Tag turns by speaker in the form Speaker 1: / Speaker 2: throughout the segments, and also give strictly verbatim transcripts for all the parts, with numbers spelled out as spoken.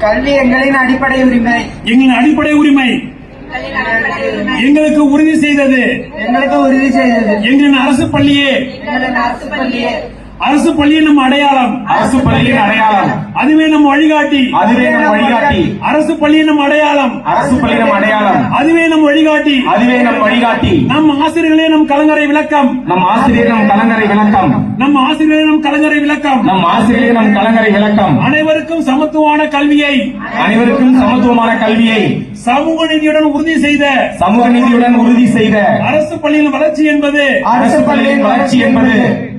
Speaker 1: கல்வி எங்களின் அடிப்படை உரிமை.
Speaker 2: எங்களின் அடிப்படை உரிமை எங்களுக்கு உறுதி செய்தது.
Speaker 1: எங்களுக்கு உறுதி செய்தது.
Speaker 2: எங்களின் அரசு பள்ளியே
Speaker 1: எங்களின் அரசு பள்ளியே
Speaker 2: அரசு பள்ளியின் நம் அடையாளம்.
Speaker 3: அரசு பள்ளியின் அடையாளம்.
Speaker 2: அதுவே நம் வழிகாட்டி.
Speaker 3: அதுவே நம் வழிகாட்டி.
Speaker 2: அரசு பள்ளியின் நம் அடையாளம்.
Speaker 3: அரசு பள்ளியின் அடையாளம்.
Speaker 2: அதுவே நம் வழிகாட்டி.
Speaker 3: அதுவே நம் வழிகாட்டி.
Speaker 2: நம் ஆசிரியர்களே நம் கலங்கரை விளக்கம்.
Speaker 3: நம் ஆசிரியர் நம் கலங்கரை விளக்கம்.
Speaker 2: நம் ஆசிரியர்களே நம் கலங்கரை விளக்கம்.
Speaker 3: நம் ஆசிரியர் நம் கலங்கரை விளக்கம்.
Speaker 2: அனைவருக்கும் சமத்துவமான கல்வியை
Speaker 3: அனைவருக்கும் சமத்துவமான கல்வியை
Speaker 2: சமூக நீதியுடன் உறுதி செய்த
Speaker 3: சமூக நீதியுடன் உறுதி செய்த
Speaker 2: அரசு பள்ளியின் வளர்ச்சி என்பது
Speaker 3: அரசு பள்ளியின் வளர்ச்சி என்பது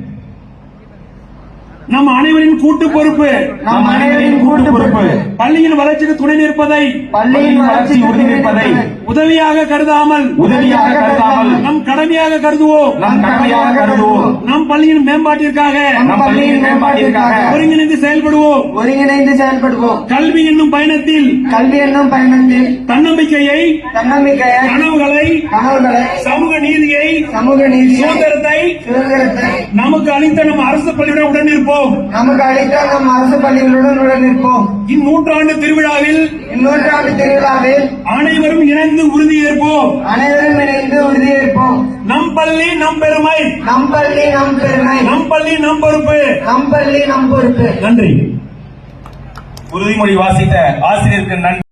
Speaker 2: நம் அனைவரின் கூட்டு பொறுப்பு.
Speaker 3: நம் அனைவரின் கூட்டு பொறுப்பு.
Speaker 2: பள்ளியின் வளர்ச்சிக்கு துணை நிற்பதை
Speaker 3: பள்ளியின் வளர்ச்சி உறுதி நிற்பதை
Speaker 2: உதவியாக கருதாமல்
Speaker 3: உதவியாக கருதாமல்
Speaker 2: நம் கடமையாக கருதுவோம்.
Speaker 3: நம் கடமையாக கருதுவோம்.
Speaker 2: நம் பள்ளியின் மேம்பாட்டிற்காக
Speaker 3: நம் பள்ளியின் மேம்பாட்டிற்காக
Speaker 2: ஒருங்கிணைந்து செயல்படுவோம்.
Speaker 1: ஒருங்கிணைந்து செயல்படுவோம்.
Speaker 2: கல்வி என்னும் பயணத்தில்
Speaker 1: கல்வி என்னும் பயணத்தில்
Speaker 2: தன்னம்பிக்கையை
Speaker 1: தன்னம்பிக்கையை
Speaker 2: கனவுகளை
Speaker 1: கனவுகளை
Speaker 2: சமூக நீதியை
Speaker 1: சமூக நீதி
Speaker 2: சுதந்திரத்தை
Speaker 1: சுதந்திரத்தை
Speaker 2: நமக்கு அளித்த நம் அரசு பள்ளியுடன் உடன் இருப்போம்.
Speaker 1: நமக்கு அளித்த நம் அரசு பள்ளிகளுடன் உடன் இருப்போம்.
Speaker 2: இந்நூற்றாண்டு திருவிழாவில்
Speaker 1: இந்நூற்றாண்டு திருவிழாவில்
Speaker 2: அனைவரும் இணைந்து உறுதியேற்போம்.
Speaker 1: அனைவரும் இணைந்து உறுதியேற்போம்.
Speaker 2: நம் பள்ளி நம் பெருமை.
Speaker 1: நம் பள்ளி நம் பெருமை.
Speaker 2: நம் பள்ளி நம் பொறுப்பு.
Speaker 1: நம் பள்ளி நம் பொறுப்பு.
Speaker 2: நன்றி.
Speaker 3: உறுதிமொழி வாசித்த ஆசிரியருக்கு நன்றி.